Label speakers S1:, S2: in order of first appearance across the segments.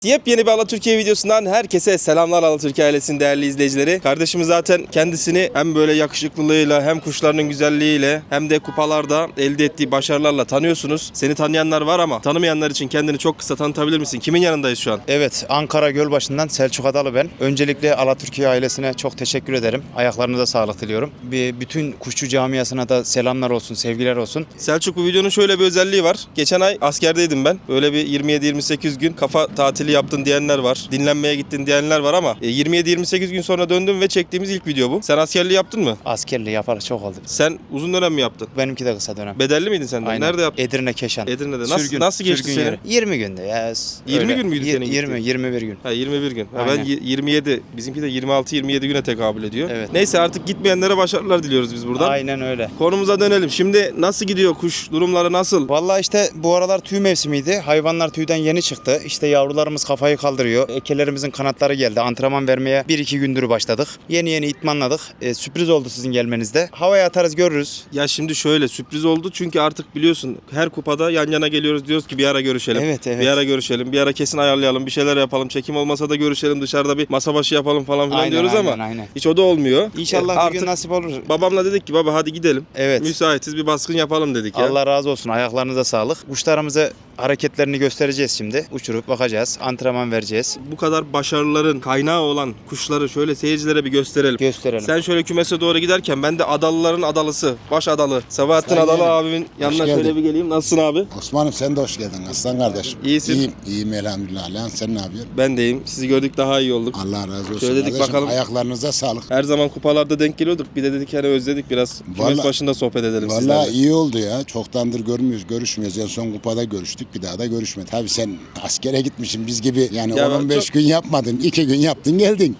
S1: Yepyeni bir Alatürkiye videosundan herkese selamlar Alatürkiye ailesinin değerli izleyicileri. Kardeşimiz zaten kendisini hem böyle yakışıklılığıyla hem kuşlarının güzelliğiyle hem de kupalarda elde ettiği başarılarla tanıyorsunuz. Seni tanıyanlar var ama tanımayanlar için kendini çok kısa tanıtabilir misin? Kimin yanındayız şu an?
S2: Evet, Ankara Gölbaşı'ndan Selçuk Adalı ben. Öncelikle Alatürkiye ailesine çok teşekkür ederim. Ayaklarınıza sağlık diliyorum. Bütün kuşçu camiasına da selamlar olsun, sevgiler olsun.
S1: Selçuk, bu videonun şöyle bir özelliği var. Geçen ay askerdeydim ben. Böyle bir 27-28 gün kafa tatili yaptın diyenler var. Dinlenmeye gittin diyenler var ama 27-28 gün sonra döndüm ve çektiğimiz ilk video bu. Sen askerliği yaptın mı?
S2: Askerliği yapalı çok oldu.
S1: Sen uzun dönem mi yaptın?
S2: Benimki de kısa dönem.
S1: Bedelli miydin sen de?
S2: Aynen.
S1: Nerede yaptın?
S2: Edirne Keşan.
S1: Edirne'de. Nasıl geçti
S2: sürgün
S1: senin?
S2: yeri. 20 günde ya.
S1: 20 gün müydü senin
S2: 21 gün.
S1: Ha, 21 gün. Ha, ben
S2: Aynen.
S1: 27, bizimki de 26-27 güne tekabül ediyor.
S2: Evet.
S1: Neyse, artık gitmeyenlere başarılar diliyoruz biz buradan.
S2: Aynen öyle.
S1: Konumuza dönelim. Şimdi nasıl gidiyor kuş? Durumları nasıl?
S2: Vallahi işte bu aralar tüy mevsimiydi. Hayvanlar tüyden yeni çıktı. İşte yavrularımız kafayı kaldırıyor. Ekelerimizin kanatları geldi. Antrenman vermeye 1-2 gündür başladık. Yeni itmanladık. Sürpriz oldu sizin gelmenizde. Havaya atarız görürüz.
S1: Ya şimdi şöyle sürpriz oldu çünkü artık biliyorsun her kupada yan yana geliyoruz, diyoruz ki bir ara görüşelim.
S2: Evet.
S1: Bir ara görüşelim. Bir ara kesin ayarlayalım. Bir şeyler yapalım. Çekim olmasa da görüşelim. Dışarıda bir masa başı yapalım falan filan
S2: Aynen,
S1: diyoruz ama
S2: aynen.
S1: hiç o da olmuyor.
S2: İnşallah bir
S1: Artık
S2: gün nasip olur.
S1: babamla dedik ki baba hadi gidelim.
S2: Evet.
S1: Müsaitiz, bir baskın yapalım dedik ya.
S2: Allah razı olsun. Ayaklarınıza sağlık. Kuşlarımıza hareketlerini göstereceğiz şimdi. Uçurup bakacağız. Antrenman vereceğiz.
S1: Bu kadar başarıların kaynağı olan kuşları şöyle seyircilere bir gösterelim.
S2: Gösterelim.
S1: Sen şöyle kümese doğru giderken ben de adalıların adalısı, baş adalı Sabahattin
S3: Sayın
S1: Adalı
S3: yeğenim.
S1: abimin yanına
S3: geldin.
S1: şöyle bir geleyim. Nasılsın abi?
S3: Osman'ım sen de hoş geldin aslan kardeşim.
S1: İyisin.
S3: İyiyim elhamdülillah. Lan sen ne yapıyorsun?
S1: Ben deyim. Sizi gördük, daha iyi olduk.
S3: Allah razı olsun
S1: Şöyle dedik,
S3: kardeşim.
S1: bakalım.
S3: Ayaklarınıza sağlık.
S1: Her zaman kupalarda denk geliyorduk. Bir de dedik hani özledik biraz. Kümes
S3: Vallahi-
S1: başında sohbet edelim
S3: Vallahi
S1: sizlerle.
S3: iyi oldu ya. Çoktandır görüşmüyoruz. En son kupada görüştük. Bir daha da görüşmedik. Tabii sen askere gitmişsin biz gibi. Yani
S1: Ya
S3: 15
S1: çok-
S3: gün yapmadın. 2 gün yaptın geldin.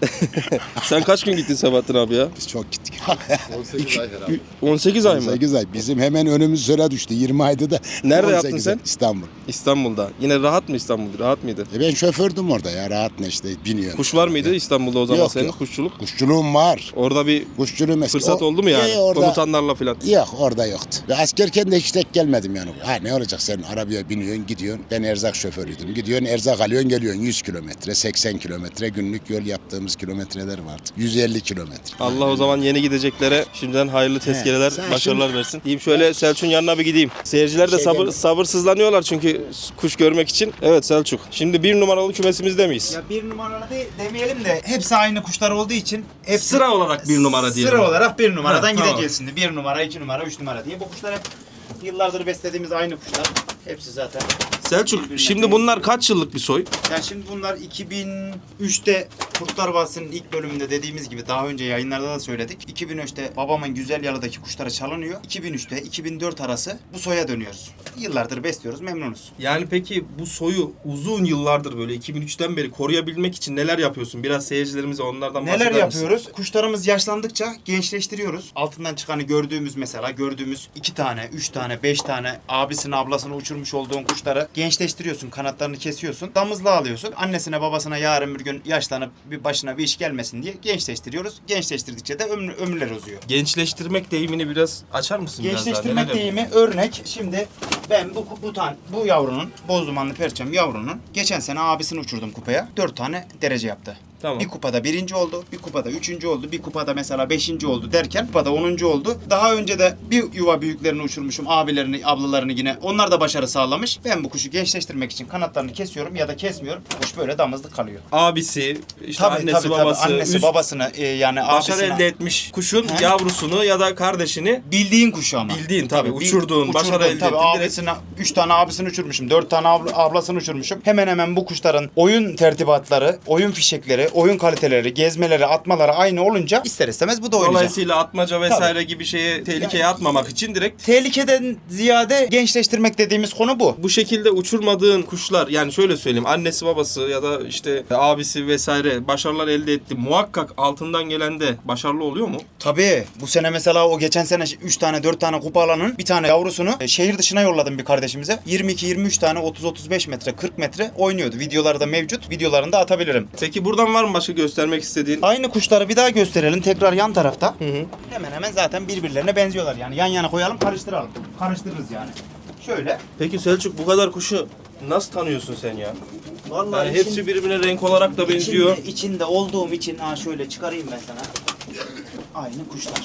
S1: Sen kaç gün gittin Sabahattin abi ya?
S3: Biz çok gittik.
S1: 18 ay mı?
S3: 8 ay. Bizim hemen önümüz sıra düştü. 20 ayda da.
S1: Nerede
S3: 18
S1: yaptın sen?
S3: ay. İstanbul.
S1: İstanbul'da. Yine rahat mı İstanbul? Rahat mıydı?
S3: Ben şofördüm orada ya. Rahat ne işte biniyorum.
S1: Kuş var mıydı İstanbul'da o zaman
S3: Yok,
S1: senin?
S3: yok.
S1: Kuşçuluk.
S3: Kuşçuluğum var.
S1: Orada bir
S3: Kuşçuluğum eski.
S1: fırsat oldu mu yani?
S3: Orada,
S1: Komutanlarla falan.
S3: Yok orada yoktu. Ve askerken de hiç tek gelmedim yani. Ha ne olacak sen arabaya biniyorsun gidiyorsun. Ben erzak şoförüydüm. Gidiyorsun erzak alıyorsun geliyorsun 100 kilometre 80 kilometre günlük yol yaptığımız kilometreler vardı. 150 kilometre.
S1: Allah o zaman yeni gideceklere şimdiden hayırlı tezkereler,
S3: Sen
S1: başarılar versin. Diyeyim şöyle Selçuk'un yanına bir gideyim. Seyirciler de sabırsızlanıyorlar çünkü kuş görmek için. Evet Selçuk. Şimdi 1 numaralı kümesimizde miyiz?
S2: Ya bir numaralı demeyelim de hepsi aynı kuşlar olduğu için hepsi
S1: Sıra olarak 1 numara diyelim.
S2: Sıra olarak bir numaradan
S1: Ha, tamam.
S2: gideceğiz şimdi. 1 numara, 2 numara, 3 numara diye. Bu kuşlar hep yıllardır beslediğimiz aynı kuşlar. Hepsi zaten.
S1: Selçuk, şimdi bunlar kaç yıllık bir soy?
S2: Yani şimdi bunlar 2003'te Kurtlar Vadisi'nin ilk bölümünde dediğimiz gibi daha önce yayınlarda da söyledik. 2003'te babamın güzel yalıdaki kuşları çalınıyor. 2003'te 2004 arası bu soya dönüyoruz. Yıllardır besliyoruz, memnunuz.
S1: Yani peki bu soyu uzun yıllardır böyle 2003'ten beri koruyabilmek için neler yapıyorsun? Biraz seyircilerimize onlardan bahseder
S2: Neler
S1: misin?
S2: yapıyoruz? Kuşlarımız yaşlandıkça gençleştiriyoruz. Altından çıkanı gördüğümüz 2 tane, 3 tane, 5 tane abisini ablasını uçurmuş olduğun kuşları gençleştiriyorsun. Kanatlarını kesiyorsun. Damızlığa alıyorsun. Annesine babasına yarın bir gün yaşlanıp bir başına bir iş gelmesin diye gençleştiriyoruz. Gençleştirdikçe de ömürler uzuyor.
S1: Gençleştirmek deyimini biraz açar mısın biraz daha?
S2: Gençleştirmek
S1: Neler
S2: deyimi örnek. Şimdi ben bu yavrunun, bozdumanlı perçem yavrunun geçen sene abisini uçurdum kupaya. 4 tane derece yaptı.
S1: Tamam.
S2: Bir kupada 1. oldu, bir kupada 3. oldu, bir kupada mesela 5. oldu derken kupada 10. oldu. Daha önce de bir yuva büyüklerini uçurmuşum, abilerini, ablalarını yine. Onlar da başarı sağlamış. Ben bu kuşu gençleştirmek için kanatlarını kesiyorum ya da kesmiyorum. Kuş böyle damızlık kalıyor.
S1: Abisi, işte annesi, babası,
S2: annesi
S1: üst
S2: babasını yani
S1: başarı
S2: abisini
S1: elde etmiş kuşun
S2: He?
S1: yavrusunu ya da kardeşini
S2: bildiğin kuşu ama.
S1: bildiğin tabii uçurduğun, başarı elde
S2: tabii
S1: ettiğin direkt.
S2: abisini 3 tane abisini uçurmuşum, 4 tane ablasını uçurmuşum. Hemen hemen bu kuşların oyun tertibatları, oyun fişekleri, oyun kaliteleri, gezmeleri, atmaları aynı olunca ister istemez bu da oynayacak.
S1: Dolayısıyla atmaca vesaire gibi şeye tehlikeye atmamak için direkt
S2: Tehlikeden ziyade gençleştirmek dediğimiz konu bu.
S1: bu şekilde uçurmadığın kuşlar, yani şöyle söyleyeyim, annesi babası ya da işte abisi vesaire başarılar elde etti. Muhakkak altından gelen de başarılı oluyor mu?
S2: Tabii. Bu sene mesela o geçen sene 3 tane 4 tane kupa alanın bir tane yavrusunu şehir dışına yolladım bir kardeşimize. 22-23 tane 30-35 metre 40 metre oynuyordu. Videoları da mevcut. Videolarını da atabilirim.
S1: Peki buradan var mı başka göstermek istediğin?
S2: Aynı kuşları bir daha gösterelim tekrar yan tarafta.
S1: Hı hı.
S2: Hemen hemen zaten birbirlerine benziyorlar yani. Yan yana koyalım karıştıralım. Karıştırırız yani. Şöyle.
S1: Peki Selçuk, bu kadar kuşu nasıl tanıyorsun sen ya?
S2: Vallahi
S1: Yani hepsi birbirine renk olarak da benziyor.
S2: İçinde olduğum için şöyle çıkarayım ben sana. Aynı kuşlar.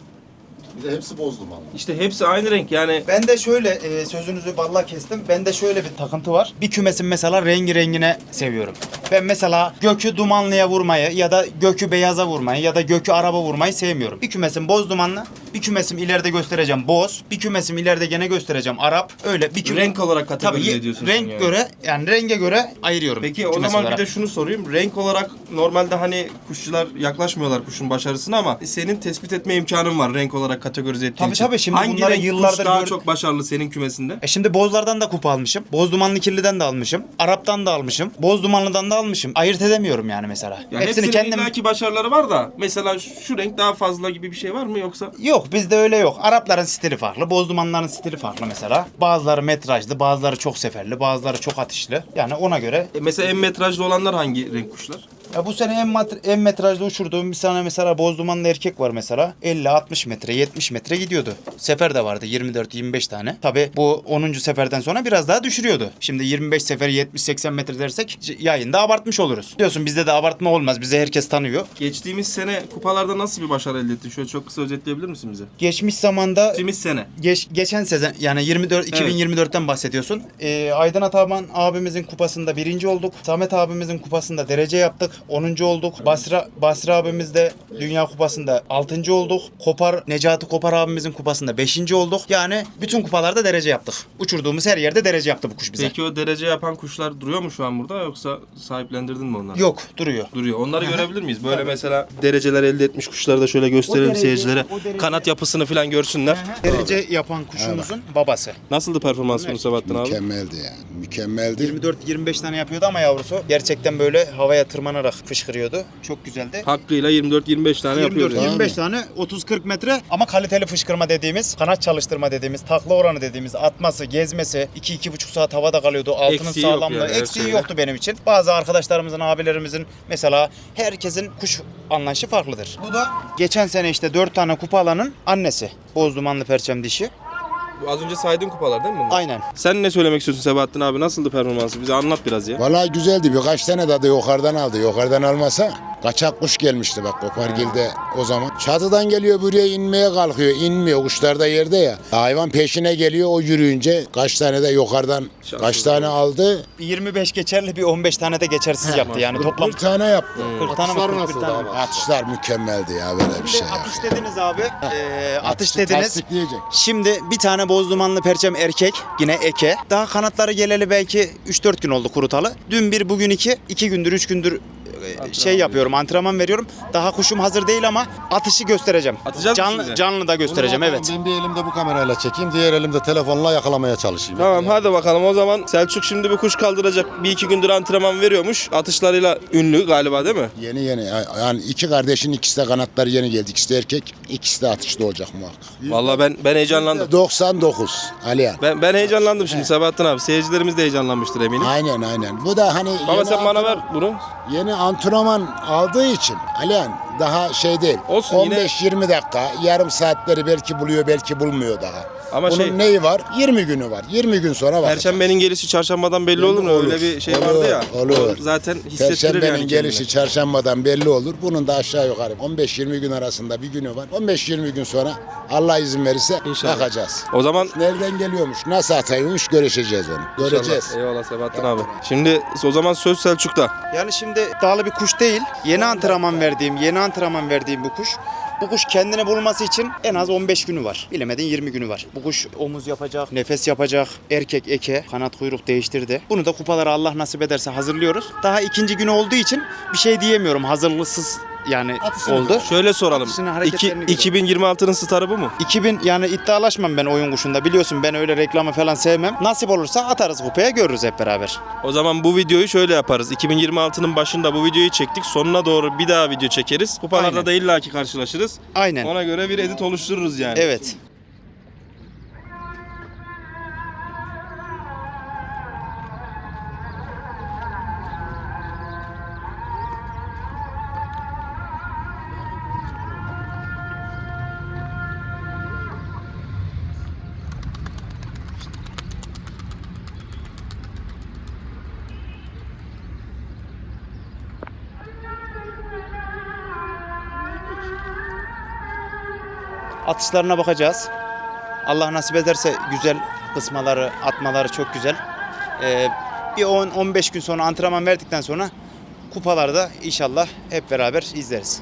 S3: Bir de hepsi boz dumanlı.
S1: İşte hepsi aynı renk yani.
S2: Ben de şöyle sözünüzü balla kestim. Ben de şöyle bir takıntı var. Bir kümesin mesela rengi rengine seviyorum. Ben mesela gökü dumanlıya vurmayı ya da gökü beyaza vurmayı ya da gökü araba vurmayı sevmiyorum. Bir kümesim boz dumanlı, bir kümesim ileride göstereceğim boz, bir kümesim ileride gene göstereceğim Arap. Öyle bir
S1: Renk olarak kategorize
S2: Tabii,
S1: ediyorsun.
S2: renk
S1: yani.
S2: göre yani renge göre ayırıyorum.
S1: Peki o
S2: kümes
S1: zaman
S2: olarak.
S1: bir de şunu sorayım. Renk olarak normalde hani kuşçular yaklaşmıyorlar kuşun başarısına ama senin tespit etme imkanın var renk olarak kategorize ettiğin
S2: Tabii
S1: için.
S2: tabii, şimdi
S1: hangi
S2: bunları
S1: renk
S2: yıllardır
S1: kuş daha
S2: gör-
S1: çok başarılı senin kümesinde?
S2: Şimdi bozlardan da kupa almışım. Boz dumanlı kirliden de almışım. Arap'tan da almışım. Boz dumanlıdan da almışım. Ayırt edemiyorum yani mesela.
S1: Ya
S2: Hepsini
S1: hepsinin
S2: kendim...
S1: illaki başarıları var da mesela şu renk daha fazla gibi bir şey var mı yoksa?
S2: Yok, bizde öyle yok. Arapların stili farklı. Boz dumanların stili farklı mesela. Bazıları metrajlı, bazıları çok seferli, bazıları çok atışlı. Yani ona göre...
S1: Mesela en metrajlı olanlar hangi renk kuşlar?
S2: Ya bu sene en metrajlı uçurduğum bir tane mesela boz dumanlı erkek var mesela. 50-60 metre, 70 metre gidiyordu. Sefer de vardı 24-25 tane. Tabi bu 10. seferden sonra biraz daha düşürüyordu. Şimdi 25 sefer 70-80 metre dersek yayında abartmış oluruz. Diyorsun bizde de abartma olmaz. Bizi herkes tanıyor.
S1: Geçtiğimiz sene kupalarda nasıl bir başarı elde ettin? Şöyle çok kısa özetleyebilir misin bize?
S2: Geçmiş zamanda
S1: Geçtiğimiz sene.
S2: geçen sezon yani 2024'ten bahsediyorsun. Aydın Ataman abimizin kupasında 1. olduk. Samet abimizin kupasında derece yaptık. 10. olduk. Basri abimiz de Dünya Kupası'nda 6. olduk. Necati Kopar abimizin kupasında 5. olduk. Yani bütün kupalarda derece yaptık. Uçurduğumuz her yerde derece yaptı bu kuş bize.
S1: Peki o derece yapan kuşlar duruyor mu şu an burada yoksa sahiplendirdin mi onları?
S2: Yok, duruyor.
S1: Duruyor. Onları görebilir miyiz? Böyle mesela dereceler elde etmiş kuşları da şöyle gösterelim
S2: O derece-
S1: seyircilere.
S2: o derece-
S1: Kanat yapısını falan görsünler.
S2: Derece yapan kuşumuzun babası.
S1: Nasıldı performans bunu Sabahattin abi?
S3: Mükemmeldi yani. Mükemmeldi.
S2: 24-25 tane yapıyordu ama yavrusu gerçekten böyle havaya tırmanarak fışkırıyordu. Çok güzeldi.
S1: Hakkıyla 24-25 tane yapıyordu.
S2: 24-25 tane 30-40 metre ama kaliteli fışkırma dediğimiz, kanat çalıştırma dediğimiz, takla oranı dediğimiz, atması, gezmesi, 2-2,5 saat havada kalıyordu. Altının
S1: Eksiği yok
S2: sağlamlığı,
S1: yani, her
S2: eksiği
S1: şeyde.
S2: yoktu benim için. Bazı arkadaşlarımızın, abilerimizin mesela herkesin kuş anlayışı farklıdır. Bu da geçen sene işte 4 tane kupa alanın annesi. Boz dumanlı perçem dişi.
S1: Bu az önce saydığın kupalar değil mi bunlar?
S2: Aynen.
S1: Sen ne söylemek istiyorsun Sabahattin abi? Nasıldı performansı? Bize anlat biraz ya.
S3: Vallahi güzeldi. Birkaç tane dadı yukarıdan aldı. Yukarıdan almasa kaçak kuş gelmişti bak Kopargil'de o zaman. Çatıdan geliyor buraya inmeye kalkıyor. İnmiyor. Kuşlar da yerde ya. Hayvan peşine geliyor. O yürüyünce kaç tane de yukarıdan kaç tane aldı.
S2: Bir 25 geçerli, bir 15 tane de geçersiz yaptı. Yani toplam
S3: 41 tane yaptı.
S2: 40 tane mi? 41 tane mi?
S3: Atışlar mükemmeldi ya böyle bir şey. ya.
S2: Atış dediniz abi. Atış
S3: Atışı
S2: dediniz.
S3: tasdikleyecek.
S2: Şimdi bir tane boz dumanlı perçem erkek, yine eke. Daha kanatları geleli belki 3-4 gün oldu kurutalı. Dün bir, bugün 2 gündür, 3 gündür şey yapıyorum, antrenman veriyorum. Daha kuşum hazır değil ama atışı göstereceğim.
S1: Atacağız mı şimdi?
S2: Canlı da göstereceğim, evet.
S4: Ben bir elimde bu kamerayla çekeyim, diğer elimde telefonla yakalamaya çalışayım.
S1: Tamam hadi bakalım o zaman Selçuk şimdi bir kuş kaldıracak. 1-2 gündür antrenman veriyormuş. Atışlarıyla ünlü galiba değil mi?
S3: Yeni yani iki kardeşin ikisi de kanatları yeni geldi. İkisi de erkek, ikisi de atışta olacak muhakkak.
S1: Vallahi ben heyecanlandım.
S3: 99 Alihan.
S1: Ben heyecanlandım şimdi Sabahattin abi. Seyircilerimiz de heyecanlanmıştır eminim.
S3: Aynen. Bu da hani
S1: Baba sen bana ver bunu.
S3: yeni antrenman aldığı için Alihan daha şey değil.
S1: Olsun, yine-
S3: 15-20 dakika, yarım saatleri belki buluyor, belki bulmuyor daha.
S1: Ama
S3: Bunun
S1: şey-
S3: neyi var? 20 günü var. 20 gün sonra bakacağız.
S1: Perşembenin gelişi çarşambadan belli olur mu?
S3: Olur.
S1: Öyle bir şey
S3: Olur,
S1: vardı ya.
S3: olur.
S1: O zaten hissettirir
S3: Perşembenin
S1: yani
S3: gelişi
S1: kendini.
S3: çarşambadan belli olur. Bunun da aşağı yukarı 15-20 gün arasında bir günü var. 15-20 gün sonra Allah izin verirse
S1: İnşallah.
S3: bakacağız.
S1: O zaman
S3: Nereden geliyormuş, nasıl atıyormuş göreceğiz onu. Göreceğiz.
S1: İnşallah. Eyvallah Sabahattin abi. Şimdi o zaman söz Selçuk'ta.
S2: Yani şimdi iddialı bir kuş değil. Yeni antrenman verdiğim bu kuş. Bu kuş kendini bulması için en az 15 günü var. Bilemedin 20 günü var. Bu kuş omuz yapacak, nefes yapacak, erkek eke, kanat kuyruk değiştirdi. Bunu da kupalara Allah nasip ederse hazırlıyoruz. Daha ikinci günü olduğu için bir şey diyemiyorum. Hazırlıksız yani oldu.
S1: Şöyle soralım.
S2: Atışını, hareketlerini
S1: 2026'nın starı bu mu?
S2: 2000 yani iddialaşmam ben oyun kuşunda. Biliyorsun ben öyle reklamı falan sevmem. Nasip olursa atarız kupaya, görürüz hep beraber.
S1: O zaman bu videoyu şöyle yaparız. 2026'nın başında bu videoyu çektik. Sonuna doğru bir daha video çekeriz. Kupalarda
S2: Aynen.
S1: da illaki karşılaşırız.
S2: Aynen.
S1: Ona göre bir edit oluştururuz yani.
S2: Evet. Atışlarına bakacağız. Allah nasip ederse güzel kısmaları, atmaları çok güzel. Bir 10-15 gün sonra antrenman verdikten sonra kupalarda inşallah hep beraber izleriz.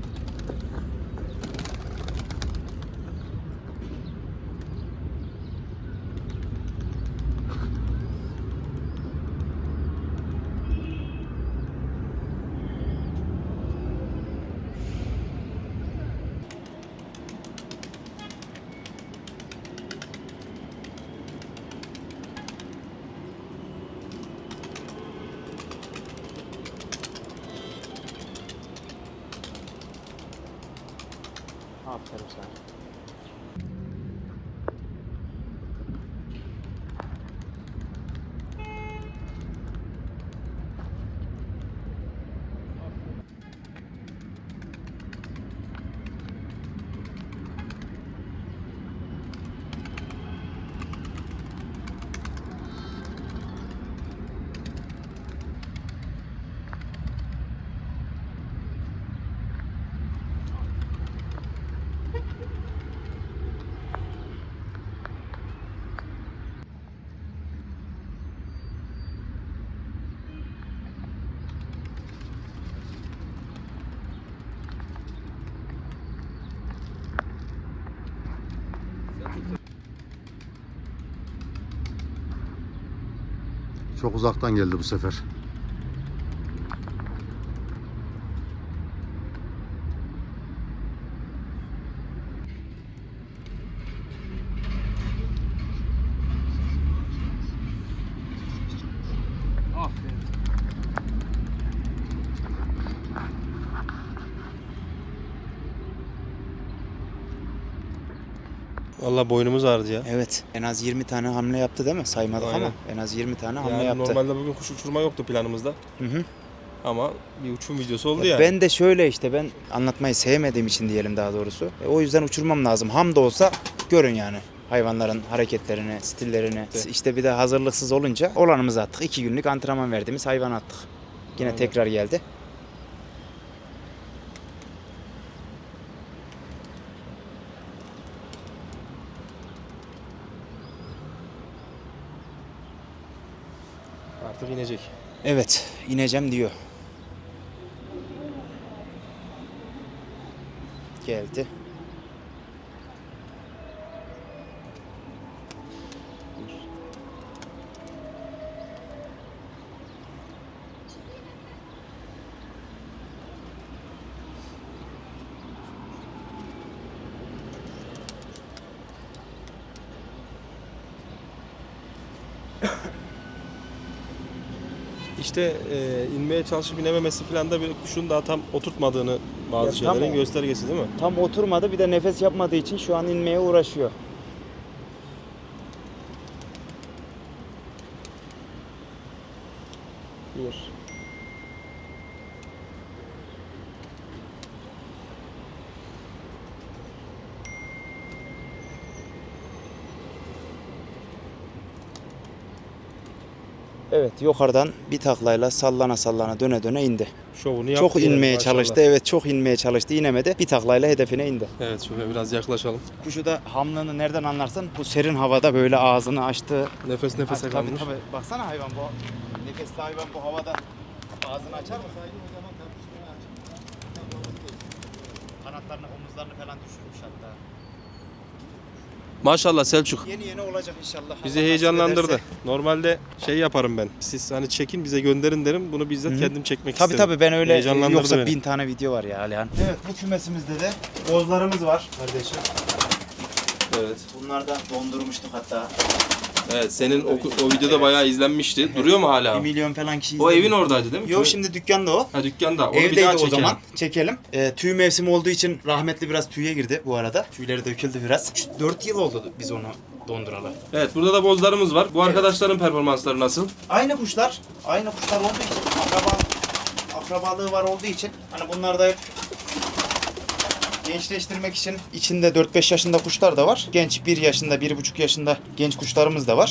S2: Aferin sana.
S4: Çok uzaktan geldi bu sefer.
S1: Vallahi boynumuz ağrıdı ya.
S2: Evet. En az 20 tane hamle yaptı değil mi? Saymadık
S1: Aynen.
S2: ama en az 20 tane hamle
S1: Yani
S2: yaptı.
S1: normalde bugün kuş uçurma yoktu planımızda.
S2: Hı hı.
S1: Ama bir uçum videosu oldu
S2: Ya
S1: yani.
S2: ben de şöyle işte ben anlatmayı sevmediğim için diyelim daha doğrusu. O yüzden uçurmam lazım. Ham da olsa görün yani. Hayvanların hareketlerini, stillerini.
S1: Evet.
S2: İşte bir de hazırlıksız olunca olanımızı attık. 2 günlük antrenman verdiğimiz hayvan attık. Yine
S1: Aynen.
S2: tekrar geldi.
S1: Artık inecek.
S2: Evet, ineceğim diyor. Geldi.
S1: İşte inmeye çalışıp inememesi falan da bir kuşun daha tam oturtmadığını bazı
S2: Ya tam
S1: şeylerin
S2: o.
S1: göstergesi değil mi?
S2: Tam oturmadı, bir de nefes yapmadığı için şu an inmeye uğraşıyor. Bir. Evet, yukarıdan bir taklayla sallana sallana döne döne indi.
S1: Şovunu yaptı.
S2: Çok
S1: yani,
S2: inmeye
S1: maşallah.
S2: çalıştı. Evet, çok inmeye çalıştı. İnemedi. Bir taklayla hedefine indi.
S1: Evet, şöyle biraz yaklaşalım.
S2: Kuşu da hamlığını nereden anlarsın? Bu serin havada böyle ağzını açtı.
S1: Nefes nefese
S2: Tabii,
S1: kalmış.
S2: tabii. Baksana hayvan bu. Nefesli hayvan bu havada ağzını açar mı? Kanatlarını, omuzlarını falan düşürmüş hatta.
S1: Maşallah Selçuk.
S2: Yeni yeni olacak inşallah.
S1: Bizi
S2: Allah nasip
S1: heyecanlandırdı.
S2: ederse.
S1: Normalde şey yaparım ben. Siz hani çekin bize gönderin derim. Bunu bizzat
S2: Hı hı.
S1: kendim çekmek
S2: Tabii
S1: istedim.
S2: tabii ben öyle
S1: Heyecanlandırdı
S2: yoksa
S1: beni.
S2: 1000 tane video var ya Alihan. Evet, bu kümesimizde de bozlarımız var kardeşim.
S1: Evet.
S2: Bunlardan dondurmuştuk hatta.
S1: Evet, senin o videoda bayağı izlenmişti. Duruyor mu
S2: 1
S1: hala?
S2: milyon falan kişi
S1: O
S2: izledi.
S1: evin oradaydı değil mi?
S2: Yok, şimdi dükkanda o.
S1: Ha, dükkanda. Onu bir
S2: Evdeydi
S1: daha
S2: o
S1: çekelim.
S2: zaman. Çekelim. Tüy mevsimi olduğu için rahmetli biraz tüye girdi bu arada. Tüyleri döküldü biraz. 4 yıl oldu biz onu donduralı.
S1: Evet, burada da bozlarımız var. Bu arkadaşların performansları nasıl?
S2: Aynı kuşlar. Aynı kuşlar olduğu için akrabalığı var olduğu için hani bunlar da hep gençleştirmek için içinde 4-5 yaşında kuşlar da var. Genç 1 yaşında, 1,5 yaşında genç kuşlarımız da var.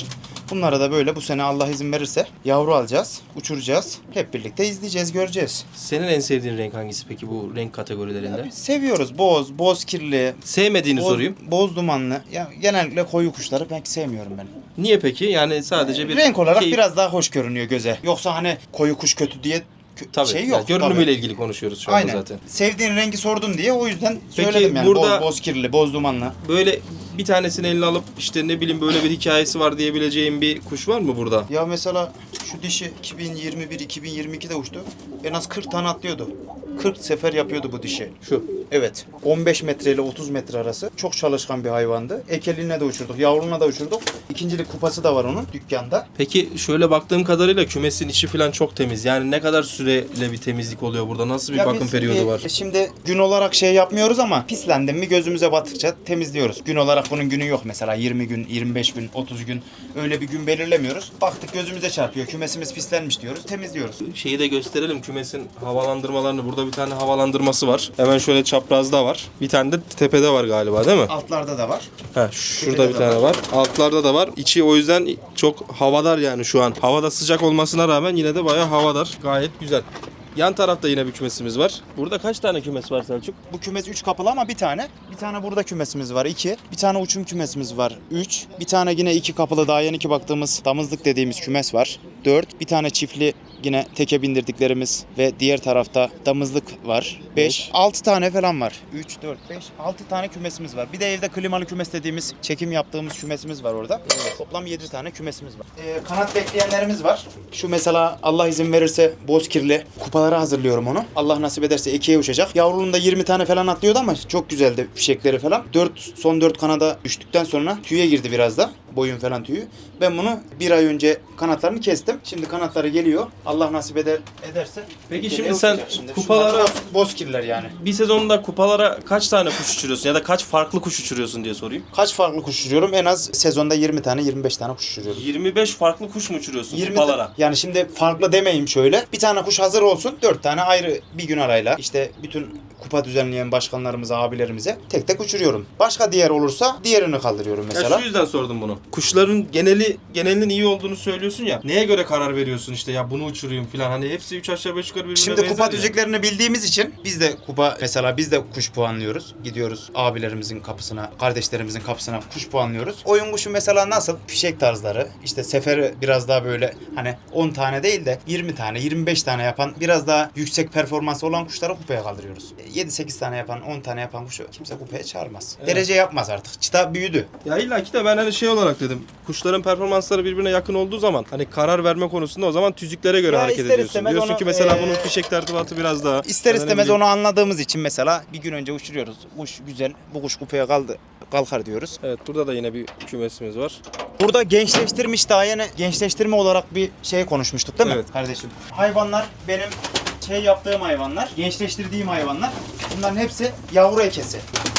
S2: Bunlara da böyle bu sene Allah izin verirse yavru alacağız, uçuracağız. Hep birlikte izleyeceğiz, göreceğiz.
S1: Senin en sevdiğin renk hangisi peki bu renk kategorilerinde?
S2: Biz seviyoruz. Boz kirli,
S1: Sevmediğini sorayım.
S2: boz dumanlı. Ya genellikle koyu kuşları pek sevmiyorum ben.
S1: Niye peki? Yani sadece bir
S2: Renk olarak
S1: keyif-
S2: biraz daha hoş görünüyor göze. Yoksa hani koyu kuş kötü diye
S1: Tabii,
S2: şey
S1: yani
S2: yok.
S1: görünümüyle
S2: Tabii.
S1: ilgili konuşuyoruz şu anda
S2: Aynen.
S1: zaten.
S2: Sevdiğin rengi sordun diye o yüzden
S1: Peki
S2: söyledim yani.
S1: burada-
S2: Boz kirli, boz dumanlı.
S1: Böyle bir tanesini eline alıp işte ne bileyim böyle bir hikayesi var diyebileceğim bir kuş var mı burada?
S2: Ya mesela şu dişi 2021-2022'de uçtu. En az 40 tane atlıyordu. 40 sefer yapıyordu bu dişi.
S1: Şu.
S2: Evet. 15 metre ile 30 metre arası. Çok çalışkan bir hayvandı. Ekeliğine de uçurduk, yavruluğuna da uçurduk. İkincilik kupası da var onun dükkanda.
S1: Peki şöyle baktığım kadarıyla kümesin içi falan çok temiz. Yani ne kadar süreyle bir temizlik oluyor burada? Nasıl bir
S2: Ya
S1: bakım
S2: biz,
S1: periyodu var?
S2: Şimdi gün olarak şey yapmıyoruz ama pislendim mi gözümüze battıkça temizliyoruz. Gün olarak bunun günü yok mesela 20 gün, 25 gün, 30 gün öyle bir gün belirlemiyoruz. Baktık gözümüze çarpıyor, kümesimiz pislenmiş diyoruz, temizliyoruz.
S1: Şeyi de gösterelim kümesin havalandırmalarını. Burada bir tane havalandırması var. Hemen şöyle çaprazda var. Bir tane de tepede var galiba değil mi?
S2: Altlarda da var.
S1: Ha, şurada
S2: Tepede
S1: bir
S2: de
S1: tane var. Altlarda da var. İçi o yüzden çok havadar yani şu an. Havada sıcak olmasına rağmen yine de bayağı havadar. Gayet güzel. Yan tarafta yine bir kümesimiz var. Burada kaç tane kümes var Selçuk?
S2: Bu kümes 3 kapılı ama bir tane. Bir tane burada kümesimiz var 2. Bir tane uçum kümesimiz var 3. Bir tane yine 2 kapılı daha yeni ki baktığımız damızlık dediğimiz kümes var 4. Bir tane çiftli yine teke bindirdiklerimiz ve diğer tarafta damızlık var 5. 6 tane falan var. 3, 4, 5, 6 tane kümesimiz var. Bir de evde klimalı kümes dediğimiz çekim yaptığımız kümesimiz var orada. Toplam 7 tane kümesimiz var. Kanat bekleyenlerimiz var. Şu mesela Allah izin verirse bozkirli kupalara hazırlıyorum onu. Allah nasip ederse ikiye uçacak. Yavruluğunda 20 tane falan atlıyordu ama çok güzeldi fişekleri falan. Son 4 kanada düştükten sonra tüye girdi biraz da. Boyun falan tüyü. Ben bunu bir ay önce kanatlarını kestim. Şimdi kanatları geliyor. Allah nasip ederse.
S1: Peki
S2: geriye
S1: şimdi sen
S2: uçacak şimdi.
S1: kupalara-
S2: Şunlar bozkirler yani.
S1: Bir sezonda kupalara kaç tane kuş uçuruyorsun ya da kaç farklı kuş uçuruyorsun diye sorayım.
S2: Kaç farklı kuş uçuruyorum? En az sezonda 20 tane 25 tane kuş uçuruyorum.
S1: 25 farklı kuş mu uçuruyorsun
S2: 20
S1: kupalara?
S2: Yani şimdi farklı demeyeyim şöyle. Bir tane kuş hazır olsun. 4 tane ayrı bir gün arayla işte bütün kupa düzenleyen başkanlarımıza, abilerimize tek tek uçuruyorum. Başka diğer olursa diğerini kaldırıyorum mesela.
S1: Ya şu yüzden sordum bunu. Kuşların genelinin iyi olduğunu söylüyorsun ya. Neye göre karar veriyorsun işte ya bunu uçurayım falan. Hani hepsi 3 aşağı 5 yukarı birbirine
S2: Şimdi
S1: benzer
S2: kupa
S1: ya.
S2: düzeklerini bildiğimiz için biz de biz de kuş puanlıyoruz. Gidiyoruz abilerimizin kapısına, kardeşlerimizin kapısına kuş puanlıyoruz. Oyun kuşu mesela nasıl? Fişek tarzları, işte seferi biraz daha böyle hani 10 tane değil de 20 tane, 25 tane yapan biraz daha yüksek performansı olan kuşları kupaya kaldırıyoruz. 7-8 tane yapan, 10 tane yapan kuşu kimse kupaya çağırmaz.
S1: Evet.
S2: Derece yapmaz artık. Çıta büyüdü.
S1: Ya illa ki de ben hani şey olarak dedim. Kuşların performansları birbirine yakın olduğu zaman hani karar verme konusunda o zaman tüzüklere göre
S2: Ya
S1: hareket
S2: ister
S1: ediyorsun.
S2: istemez
S1: Diyorsun
S2: onu,
S1: ki mesela bunun fişek tertibatı biraz daha.
S2: İster
S1: ya da ne
S2: istemez
S1: bileyim.
S2: onu anladığımız için mesela bir gün önce uçuruyoruz. Kuş güzel, bu kuş kupaya kalkar diyoruz.
S1: Evet, burada da yine bir kümesimiz var.
S2: Burada gençleştirmiş daha yeni gençleştirme olarak bir şey konuşmuştuk değil mi
S1: Evet.
S2: kardeşim? Hayvanlar benim şey yaptığım hayvanlar, gençleştirdiğim hayvanlar. Bunların hepsi yavru ekesi.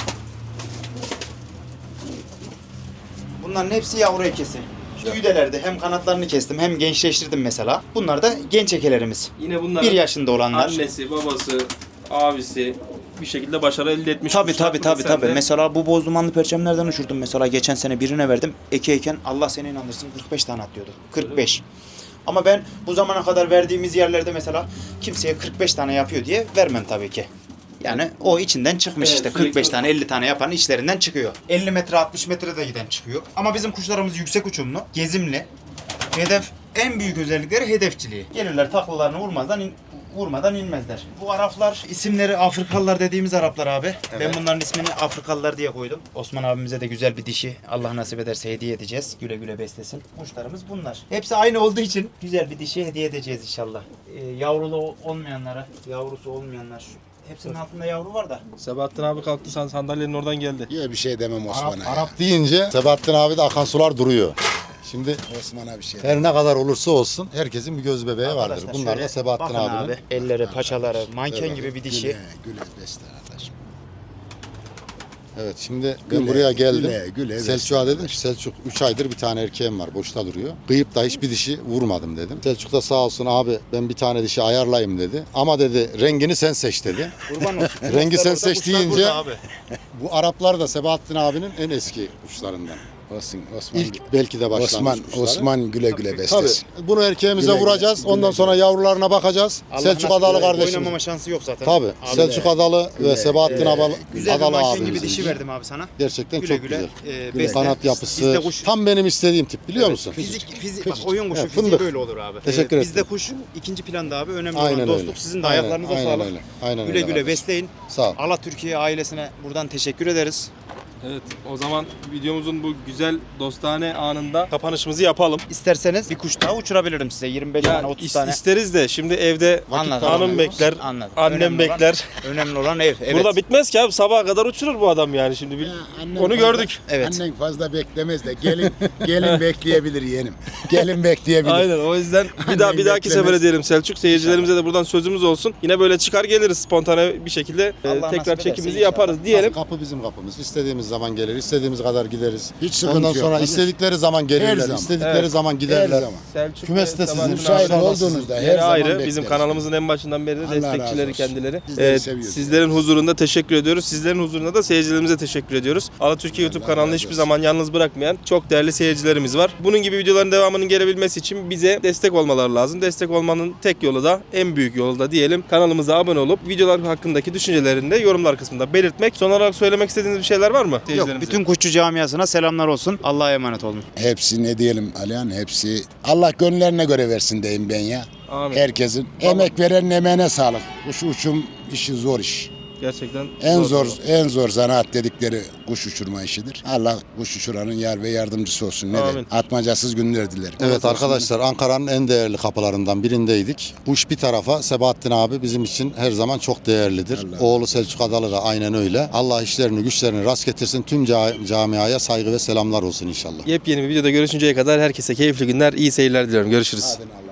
S2: Bunların hepsi yavru ekesi. Şu güdelerde hem kanatlarını kestim hem gençleştirdim mesela. Bunlar da genç ekelerimiz.
S1: Yine bunların
S2: 1 yaşında olanlar.
S1: annesi, babası, abisi bir şekilde başarı elde etmiş.
S2: Tabii
S1: kuşlar.
S2: tabii
S1: Burada
S2: tabii
S1: sen
S2: tabii.
S1: de-
S2: Mesela bu boz dumanlı perçemlerden uçurdum mesela geçen sene birine verdim. Ekeyken Allah seni inandırsın 45 tane atlıyordu. 45. Ama ben bu zamana kadar verdiğimiz yerlerde mesela kimseye 45 tane yapıyor diye vermem tabii ki. Yani o içinden çıkmış
S1: Evet,
S2: işte
S1: sürekli-
S2: 45 tane 50 tane yapan içlerinden çıkıyor. 50 metre 60 metre de giden çıkıyor. Ama bizim kuşlarımız yüksek uçumlu, gezimli. Hedef en büyük özellikleri hedefçiliği. Gelirler taklalarını vurmadan inmezler. Bu Araplar isimleri Afrikalılar dediğimiz Araplar abi. Ben bunların ismini Afrikalılar diye koydum. Osman abimize de güzel bir dişi Allah nasip ederse hediye edeceğiz. Güle güle beslesin. Kuşlarımız bunlar. Hepsi aynı olduğu için güzel bir dişi hediye edeceğiz inşallah. Yavrulu olmayanlara, yavrusu olmayanlar. Hepsinin altında yavru var da.
S1: Sebahattin abi kalktı sandalyenin oradan geldi.
S3: Ya bir şey demem Osman'a. ya.
S4: Arap deyince Sebahattin abi de akan sular duruyor. Şimdi
S3: Osman'a bir şey
S4: her ne kadar olursa olsun herkesin bir göz bebeği vardır.
S2: Arkadaşlar
S4: Bunlar
S2: şöyle
S4: da Sebahattin
S2: bakın
S4: abinin.
S2: abi. Elleri, paçaları, manken
S4: Evet.
S2: gibi bir dişi.
S3: Güle beste kardeşim.
S4: Evet şimdi ben
S3: Güle,
S4: buraya geldim.
S3: güle
S4: Selçuk'a
S3: besle
S4: dedim ki Selçuk 3 aydır bir tane erkeğim var boşta duruyor. Kıyıp da hiçbir dişi vurmadım dedim. Selçuk da sağ olsun abi ben bir tane dişi ayarlayayım dedi. Ama dedi rengini sen seç dedi.
S2: Kurban olsun.
S4: Rengi sen
S2: Kuşlar
S4: seç
S2: orada, kuşlar
S4: deyince-
S2: burada abi.
S4: Bu Araplar da Sebahattin abinin en eski kuşlarından.
S3: Olsun Osman.
S4: İlk belki de başlangıç kuşları.
S3: Osman güle güle beslesin.
S4: Tabii. Bunu erkeğimize
S3: Güle güle,
S4: vuracağız.
S3: güle
S4: Ondan
S3: güle.
S4: sonra yavrularına bakacağız. Selçuk Adalı kardeşimiz.
S2: Oynamama şansı yok zaten.
S4: Tabii.
S2: Abi,
S4: Selçuk Adalı ve Sebahattin
S2: güzel bir
S4: Adalı
S2: manşin gibi
S4: abimizin.
S2: dişi verdim abi sana.
S4: Gerçekten
S2: Güle
S4: çok
S2: güle.
S4: güzel.
S2: Besle.
S4: Kanat
S2: Bizde
S4: yapısı
S2: kuş-
S4: tam benim istediğim tip biliyor
S2: Evet,
S4: musun?
S2: Fizik bak oyun kuşu
S4: Evet,
S2: fiziği
S4: fındık.
S2: böyle olur abi.
S4: Teşekkür
S2: Bizde
S4: ederim.
S2: kuş ikinci planda abi. Önemli
S4: Aynen
S2: olan dostluk.
S4: öyle.
S2: Sizin de
S4: Aynen,
S2: ayaklarınıza
S4: aynen
S2: sağlık.
S4: öyle. Aynen
S2: Güle
S4: öyle
S2: güle
S4: kardeşim.
S2: besleyin.
S4: Sağ ol.
S2: Allah Türkiye ailesine buradan teşekkür ederiz.
S1: Evet, o zaman videomuzun bu güzel dostane anında kapanışımızı yapalım.
S2: İsterseniz bir kuş daha uçurabilirim size. 25 tane 30 tane.
S1: isteriz de şimdi evde
S2: Anladım.
S1: hanım bekler,
S2: Anladım.
S1: annem
S2: Önemli olan-
S1: bekler.
S2: Önemli olan ev. Evet.
S1: Burada bitmez ki abi, sabaha kadar uçurur bu adam yani şimdi. Onu gördük.
S2: Evet.
S3: Annen fazla beklemez de gelin bekleyebilir yeğenim. Gelin bekleyebilir.
S1: Aynen, o yüzden bir dahaki
S3: beklemez.
S1: sefere diyelim Selçuk. Seyircilerimize de buradan sözümüz olsun. Yine böyle çıkar geliriz spontane bir şekilde
S2: Allah nasip
S1: tekrar
S2: ederse
S1: çekimizi
S2: inşallah.
S1: yaparız diyelim.
S4: Kapı bizim kapımız. İstediğimiz zaman gelir, istediğimiz kadar gideriz.
S3: Hiç sıkıntı
S4: Ondan
S3: yok.
S4: sonra
S3: Tabii.
S4: istedikleri zaman gelirler,
S3: zaman.
S4: istedikleri
S1: Evet.
S4: zaman
S3: Her
S4: giderler.
S3: zaman.
S1: Selçuk
S4: Kümes de sizin.
S3: Müsait
S4: Müsait
S3: olduğunuzda her
S1: Yeri
S3: zaman
S1: ayrı.
S3: bekleriz.
S1: Bizim kanalımızın en başından beri de
S3: Allah razı
S1: destekçileri
S3: olsun.
S1: kendileri.
S3: Bizleri seviyoruz.
S1: Sizlerin huzurunda teşekkür ediyoruz. Sizlerin huzurunda da seyircilerimize teşekkür ediyoruz. Ala Türkiye YouTube
S3: Allah
S1: kanalını
S3: razı
S1: hiçbir
S3: olsun.
S1: zaman yalnız bırakmayan çok değerli seyircilerimiz var. Bunun gibi videoların devamının gelebilmesi için bize destek olmaları lazım. Destek olmanın tek yolu da, en büyük yolu da diyelim, kanalımıza abone olup videolar hakkındaki düşüncelerini de yorumlar kısmında belirtmek. Son olarak söylemek istediğiniz bir şeyler var mı?
S2: Yok,
S1: seyircilerimize?
S2: bütün kuşçu camiasına selamlar olsun. Allah'a emanet olun.
S3: Hepsi ne diyelim Alihan, hepsi Allah gönüllerine göre versin diyeyim ben ya.
S1: Amin.
S3: Herkesin. Emek verenin emeğine sağlık. Kuş uçum işi zor iş.
S1: Gerçekten
S3: En zor zanaat dedikleri kuş uçurma işidir. Allah kuş uçuranın yar ve yardımcısı olsun. Ne
S1: Amin.
S3: diyeyim? Atmacasız günler dilerim.
S4: Evet arkadaşlar, Ankara'nın en değerli kapılarından birindeydik. Uç bir tarafa, Sebahattin abi bizim için her zaman çok değerlidir.
S3: Allah.
S4: Oğlu Selçuk Adalı da aynen öyle. Allah işlerini güçlerini rast getirsin. Tüm camiaya saygı ve selamlar olsun inşallah.
S1: Yepyeni bir videoda görüşünceye kadar herkese keyifli günler, iyi seyirler diliyorum. Görüşürüz.
S3: Hadi Allah.